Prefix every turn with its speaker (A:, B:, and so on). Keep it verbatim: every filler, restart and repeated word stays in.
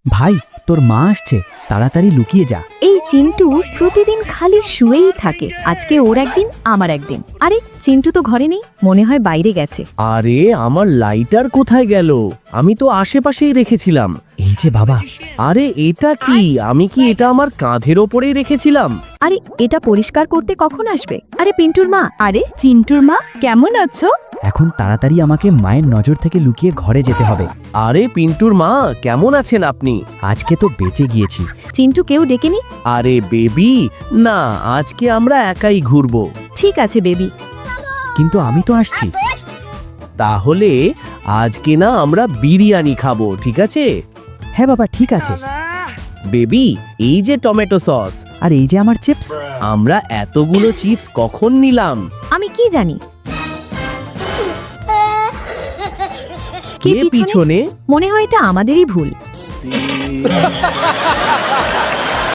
A: ভাই তোর মা আসছে, তাড়াতাড়ি লুকিয়ে যা।
B: এই চিন্টু প্রতিদিন খালি শুয়েই থাকে, আজকে ওর একদিন আমার একদিন। আরে চিন্টু তো ঘরে নেই, মনে হয় বাইরে গেছে।
C: আরে আমার লাইটার কোথায় গেল? আমি তো আশেপাশেই রেখেছিলাম।
A: এই যে বাবা।
C: আরে এটা কি? আমি কি এটা আমার কাঁধের ওপরেই রেখেছিলাম?
B: আরে এটা পরিষ্কার করতে কখন আসবে? আরে পিন্টুর মা। আরে চিন্টুর মা, কেমন আছো?
A: এখন তাড়াতাড়ি আমাকে মায়ের নজর থেকে লুকিয়ে ঘরে যেতে হবে।
C: আরে পিন্টুর মা, কেমন আছেন আপনি?
A: আজকে তো বেঁচে গিয়েছি।
B: চিন্টু কেউ ডেকেনি?
C: আরে বেবি, না আজকে আমরা একাই ঘুরবো।
B: ঠিক আছে বেবি।
A: কিন্তু আমি তো আসছি।
C: তাহলে আজকে না আমরা বিরিয়ানি খাবো, ঠিক আছে?
A: হ্যাঁ বাবা, ঠিক আছে।
C: বেবি, এই যে টমেটো সস।
A: আর এই যে আমার চিপস।
C: আমরা এতগুলো চিপস কখন নিলাম?
B: আমি কি জানি।
C: কে পিছনে?
B: মনে হয় এটা আমাদেরই ভুল।